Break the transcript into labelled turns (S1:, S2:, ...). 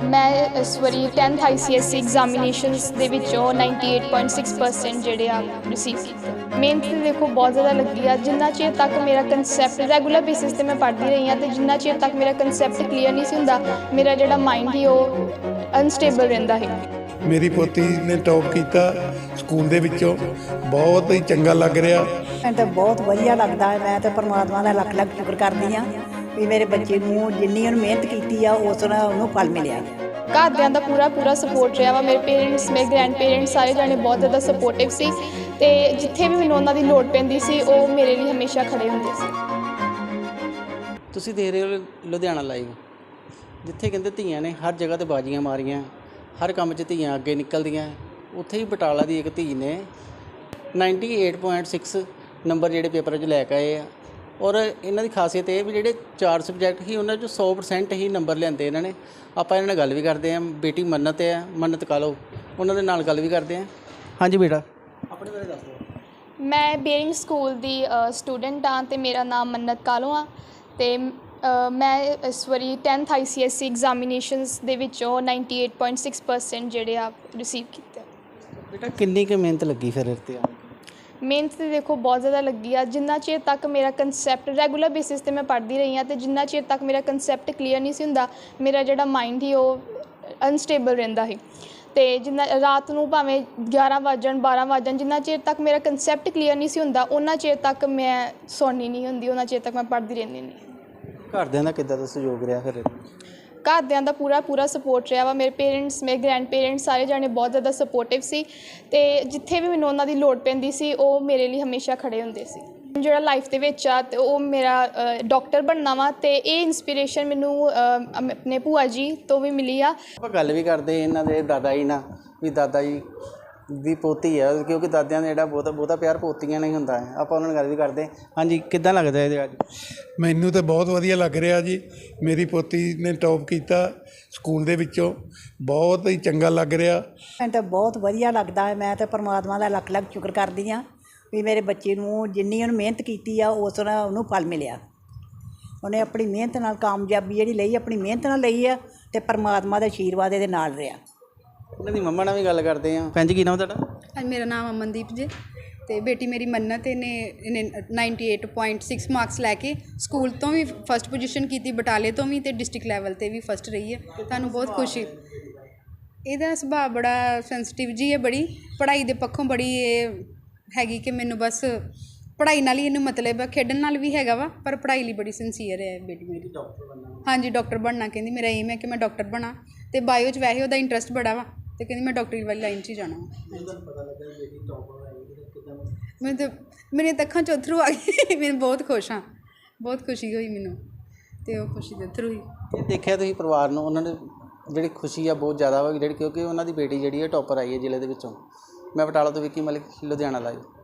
S1: ਮੈਂ ਇਸ ਵਾਰੀ 10th ICSE ਐਗਜ਼ਾਮੀਨੇਸ਼ਨਸ ਦੇ ਵਿੱਚੋਂ 98.6% ਜਿਹੜੇ ਆ ਰਿਸੀਵ ਕੀਤੇ। ਮਿਹਨਤ ਤਾਂ ਦੇਖੋ ਬਹੁਤ ਜ਼ਿਆਦਾ ਲੱਗੀ ਆ। ਜਿੰਨਾ ਚਿਰ ਤੱਕ ਮੇਰਾ ਕਨਸੈਪਟ ਰੈਗੂਲਰ ਬੇਸਿਸ 'ਤੇ ਮੈਂ ਪੜ੍ਹਦੀ ਰਹੀ ਹਾਂ ਅਤੇ ਜਿੰਨਾ ਚਿਰ ਤੱਕ ਮੇਰਾ ਕਨਸੈਪਟ ਕਲੀਅਰ ਨਹੀਂ ਸੀ ਹੁੰਦਾ, ਮੇਰਾ ਜਿਹੜਾ ਮਾਈਂਡ ਸੀ ਉਹ ਅਨਸਟੇਬਲ ਰਹਿੰਦਾ ਸੀ।
S2: ਮੇਰੀ ਪੋਤੀ ਨੇ ਟੌਪ ਕੀਤਾ ਸਕੂਲ ਦੇ ਵਿੱਚੋਂ, ਬਹੁਤ ਹੀ ਚੰਗਾ ਲੱਗ ਰਿਹਾ।
S3: ਮੈਨੂੰ ਤਾਂ ਬਹੁਤ ਵਧੀਆ ਲੱਗਦਾ ਹੈ। ਮੈਂ ਤਾਂ ਪਰਮਾਤਮਾ ਦਾ ਲੱਖ ਲੱਖ ਸ਼ੁਕਰ ਕਰਦੀ ਹਾਂ ਵੀ ਮੇਰੇ ਬੱਚੇ ਨੂੰ ਜਿੰਨੀ ਉਹਨੇ ਮਿਹਨਤ ਕੀਤੀ ਆ ਉਸ ਨਾਲ ਉਹਨੂੰ ਫਲ ਮਿਲਿਆ।
S1: ਘਰਦਿਆਂ ਦਾ ਪੂਰਾ ਸਪੋਰਟ ਰਿਹਾ ਵਾ। ਮੇਰੇ ਪੇਰੈਂਟਸ, ਮੇਰੇ ਗ੍ਰੈਂਡ ਪੇਰੈਂਟਸ ਸਾਰੇ ਜਾਣੇ ਬਹੁਤ ਜ਼ਿਆਦਾ ਸਪੋਰਟਿਵ ਸੀ ਅਤੇ ਜਿੱਥੇ ਵੀ ਮੈਨੂੰ ਉਹਨਾਂ ਦੀ ਲੋੜ ਪੈਂਦੀ ਸੀ ਉਹ ਮੇਰੇ ਲਈ ਹਮੇਸ਼ਾ ਖੜ੍ਹੇ ਹੁੰਦੇ ਸੀ।
S4: ਤੁਸੀਂ ਦੇਖ ਰਹੇ ਹੋ ਲੁਧਿਆਣਾ ਲਾਈਵ, ਜਿੱਥੇ ਕਹਿੰਦੇ ਧੀਆਂ ਨੇ ਹਰ ਜਗ੍ਹਾ 'ਤੇ ਬਾਜ਼ੀਆਂ ਮਾਰੀਆਂ, ਹਰ ਕੰਮ 'ਚ ਧੀਆਂ ਅੱਗੇ ਨਿਕਲਦੀਆਂ। ਉੱਥੇ ਹੀ ਬਟਾਲਾ ਦੀ ਇੱਕ ਧੀ ਨੇ 98.6 ਨੰਬਰ ਜਿਹੜੇ ਪੇਪਰ 'ਚ ਲੈ ਕੇ ਆਏ ਆ। ਔਰ ਇਹਨਾਂ ਦੀ ਖਾਸੀਅਤ ਇਹ ਵੀ ਜਿਹੜੇ 4 ਸਬਜੈਕਟ ਸੀ ਉਹਨਾਂ 'ਚੋਂ 100% ਹੀ ਨੰਬਰ ਲਿਆਂਦੇ ਇਹਨਾਂ ਨੇ। ਆਪਾਂ ਇਹਨਾਂ ਨਾਲ ਗੱਲ ਵੀ ਕਰਦੇ ਹਾਂ। ਬੇਟੀ ਮੰਨਤ ਹੈ, ਮੰਨਤ ਕਾਲੋ, ਉਹਨਾਂ ਦੇ ਨਾਲ ਗੱਲ ਵੀ ਕਰਦੇ ਹਾਂ। ਹਾਂਜੀ ਬੇਟਾ, ਆਪਣੇ ਬਾਰੇ ਦੱਸ ਦਿਓ।
S1: ਮੈਂ ਬੇਰਿੰਗ ਸਕੂਲ ਦੀ ਸਟੂਡੈਂਟ ਹਾਂ ਅਤੇ ਮੇਰਾ ਨਾਮ ਮੰਨਤ ਕਾਲੋ ਆ ਅਤੇ ਮੈਂ ਇਸ ਵਾਰੀ 10th ICSE ਐਗਜ਼ਾਮੀਨੇਸ਼ਨਸ ਦੇ ਵਿੱਚੋਂ 98.6% ਜਿਹੜੇ ਆ ਰਿਸੀਵ ਕੀਤੇ।
S4: ਬੇਟਾ ਕਿੰਨੀ ਕੁ ਮਿਹਨਤ ਲੱਗੀ ਫਿਰ ਇਹਦੇ 'ਤੇ?
S1: ਮਿਹਨਤ ਤਾਂ ਦੇਖੋ ਬਹੁਤ ਜ਼ਿਆਦਾ ਲੱਗੀ ਆ। ਜਿੰਨਾ ਚਿਰ ਤੱਕ ਮੇਰਾ ਕਨਸੈਪਟ ਰੈਗੂਲਰ ਬੇਸਿਸ 'ਤੇ ਮੈਂ ਪੜ੍ਹਦੀ ਰਹੀ ਹਾਂ ਅਤੇ ਜਿੰਨਾ ਚਿਰ ਤੱਕ ਮੇਰਾ ਕਨਸੈਪਟ ਕਲੀਅਰ ਨਹੀਂ ਸੀ ਹੁੰਦਾ, ਮੇਰਾ ਜਿਹੜਾ ਮਾਈਂਡ ਸੀ ਉਹ ਅਨਸਟੇਬਲ ਰਹਿੰਦਾ ਸੀ। ਅਤੇ ਜਿੰਨਾ ਰਾਤ ਨੂੰ ਭਾਵੇਂ 11 ਵੱਜ ਜਾਣ 12 ਵੱਜ ਜਾਣ, ਜਿੰਨਾ ਚਿਰ ਤੱਕ ਮੇਰਾ ਕਨਸੈਪਟ ਕਲੀਅਰ ਨਹੀਂ ਸੀ ਹੁੰਦਾ ਉਹਨਾਂ ਚਿਰ ਤੱਕ ਮੈਂ ਸੌਂਦੀ ਨਹੀਂ ਹੁੰਦੀ, ਉਹਨਾਂ ਚਿਰ ਤੱਕ ਮੈਂ ਪੜ੍ਹਦੀ ਰਹਿੰਦੀ ਹੁੰਦੀ।
S4: ਘਰਦਿਆਂ ਦਾ ਕਿੱਦਾਂ ਦਾ ਸਹਿਯੋਗ ਰਿਹਾ ਫਿਰ?
S1: ਘਰਦਿਆਂ ਦਾ ਪੂਰਾ ਸਪੋਰਟ ਰਿਹਾ ਵਾ। ਮੇਰੇ ਪੇਰੈਂਟਸ, ਮੇਰੇ ਗ੍ਰੈਂਡ ਪੇਰੈਂਟਸ ਸਾਰੇ ਜਾਣੇ ਬਹੁਤ ਜ਼ਿਆਦਾ ਸਪੋਰਟਿਵ ਸੀ ਅਤੇ ਜਿੱਥੇ ਵੀ ਮੈਨੂੰ ਉਹਨਾਂ ਦੀ ਲੋੜ ਪੈਂਦੀ ਸੀ ਉਹ ਮੇਰੇ ਲਈ ਹਮੇਸ਼ਾ ਖੜ੍ਹੇ ਹੁੰਦੇ ਸੀ। ਜਿਹੜਾ ਲਾਈਫ ਦੇ ਵਿੱਚ ਆ ਅਤੇ ਉਹ ਮੇਰਾ ਡਾਕਟਰ ਬਣਨਾ ਵਾ ਅਤੇ ਇਹ ਇੰਸਪੀਰੇਸ਼ਨ ਮੈਨੂੰ ਆਪਣੇ ਭੂਆ ਜੀ ਤੋਂ ਵੀ ਮਿਲੀ ਆ।
S4: ਆਪਾਂ ਗੱਲ ਵੀ ਕਰਦੇ ਇਹਨਾਂ ਦੇ ਦਾਦਾ ਜੀ ਨਾਲ, ਵੀ ਦਾਦਾ ਜੀ ਦੀ ਪੋਤੀ ਆ, ਕਿਉਂਕਿ ਦਾਦਿਆਂ ਦਾ ਜਿਹੜਾ ਬਹੁਤਾ ਪਿਆਰ ਪੋਤੀਆਂ ਨਾਲ ਹੀ ਹੁੰਦਾ ਹੈ। ਆਪਾਂ ਉਹਨਾਂ ਨਾਲ ਗੱਲ ਵੀ ਕਰਦੇ। ਹਾਂਜੀ, ਕਿੱਦਾਂ ਲੱਗਦਾ ਇਹਦੇ ਅੱਜ?
S2: ਮੈਨੂੰ ਤਾਂ ਬਹੁਤ ਵਧੀਆ ਲੱਗ ਰਿਹਾ ਜੀ। ਮੇਰੀ ਪੋਤੀ ਨੇ ਟੌਪ ਕੀਤਾ ਸਕੂਲ ਦੇ ਵਿੱਚੋਂ, ਬਹੁਤ ਹੀ ਚੰਗਾ ਲੱਗ ਰਿਹਾ।
S3: ਮੈਨੂੰ ਤਾਂ ਬਹੁਤ ਵਧੀਆ ਲੱਗਦਾ ਹੈ। ਮੈਂ ਤਾਂ ਪਰਮਾਤਮਾ ਦਾ ਲੱਖ ਲੱਖ ਸ਼ੁਕਰ ਕਰਦੀ ਹਾਂ ਵੀ ਮੇਰੇ ਬੱਚੇ ਨੂੰ ਜਿੰਨੀ ਉਹਨੇ ਮਿਹਨਤ ਕੀਤੀ ਆ ਉਸ ਨਾਲ ਉਹਨੂੰ ਫਲ ਮਿਲਿਆ। ਉਹਨੇ ਆਪਣੀ ਮਿਹਨਤ ਨਾਲ ਕਾਮਯਾਬੀ ਜਿਹੜੀ ਲਈ, ਆਪਣੀ ਮਿਹਨਤ ਨਾਲ ਲਈ ਆ ਅਤੇ ਪਰਮਾਤਮਾ ਦਾ ਆਸ਼ੀਰਵਾਦ ਇਹਦੇ ਨਾਲ ਰਿਹਾ।
S4: ਉਹਨਾਂ ਦੀ ਮੰਮਾ ਨਾਲ ਵੀ ਗੱਲ ਕਰਦੇ ਹਾਂ। ਭੈਣ ਜੀ, ਕੀ ਨਾਮ ਤੁਹਾਡਾ?
S5: ਮੇਰਾ ਨਾਮ ਅਮਨਦੀਪ ਜੀ ਅਤੇ ਬੇਟੀ ਮੇਰੀ ਮੰਨਤ ਇਹਨੇ 98.6 ਮਾਰਕਸ ਲੈ ਕੇ ਸਕੂਲ ਤੋਂ ਵੀ ਫਸਟ ਪੋਜੀਸ਼ਨ ਕੀਤੀ, ਬਟਾਲੇ ਤੋਂ ਵੀ ਅਤੇ ਡਿਸਟ੍ਰਿਕਟ ਲੈਵਲ 'ਤੇ ਵੀ ਫਸਟ ਰਹੀ ਹੈ। ਤੁਹਾਨੂੰ ਬਹੁਤ ਖੁਸ਼ੀ। ਇਹਦਾ ਸੁਭਾਅ ਬੜਾ ਸੈਂਸਿਟਿਵ ਜੀ ਹੈ, ਬੜੀ ਪੜ੍ਹਾਈ ਦੇ ਪੱਖੋਂ ਬੜੀ ਇਹ ਹੈਗੀ ਕਿ ਮੈਨੂੰ ਬਸ ਪੜ੍ਹਾਈ ਨਾਲ ਹੀ ਇਹਨੂੰ ਮਤਲਬ ਹੈ, ਖੇਡਣ ਨਾਲ ਵੀ ਹੈਗਾ ਵਾ, ਪਰ ਪੜ੍ਹਾਈ ਲਈ ਬੜੀ ਸਿੰਸੀਅਰ ਹੈ ਬੇਟੀ ਮੇਰੀ। ਹਾਂਜੀ, ਡਾਕਟਰ ਬਣਨਾ ਕਹਿੰਦੀ। ਮੇਰਾ ਏਮ ਹੈ ਕਿ ਮੈਂ ਡਾਕਟਰ ਬਣਾ ਅਤੇ ਬਾਇਓ 'ਚ ਵੈਸੇ ਉਹਦਾ ਇੰਟਰਸਟ ਬੜਾ ਵਾ ਅਤੇ ਕਹਿੰਦੀ ਮੈਂ ਡਾਕਟਰੀ ਵਾਲੀ ਲਾਈਨ 'ਚ ਹੀ ਜਾਣਾ। ਮੈਨੂੰ ਤਾਂ ਮੇਰੀਆਂ ਤਾਂ ਅੱਖਾਂ 'ਚ ਅੱਥਰੂ ਆ ਗਏ। ਮੈਂ ਬਹੁਤ ਖੁਸ਼ ਹਾਂ, ਬਹੁਤ ਖੁਸ਼ੀ ਹੋਈ ਮੈਨੂੰ ਅਤੇ ਉਹ ਖੁਸ਼ੀ ਦੇ ਅੱਥਰੂ ਹੋਈ।
S4: ਦੇਖਿਆ ਤੁਸੀਂ ਪਰਿਵਾਰ ਨੂੰ, ਉਹਨਾਂ ਨੇ ਜਿਹੜੀ ਖੁਸ਼ੀ ਆ ਬਹੁਤ ਜ਼ਿਆਦਾ ਵਾ, ਜਿਹੜੀ ਕਿਉਂਕਿ ਉਹਨਾਂ ਦੀ ਬੇਟੀ ਜਿਹੜੀ ਹੈ ਟੌਪਰ ਆਈ ਹੈ ਜ਼ਿਲ੍ਹੇ ਦੇ ਵਿੱਚੋਂ। ਮੈਂ ਬਟਾਲਾ ਤੋਂ ਵਿੱਕੀ ਮਲਿਕ, ਲੁਧਿਆਣਾ ਲਾਈਵ।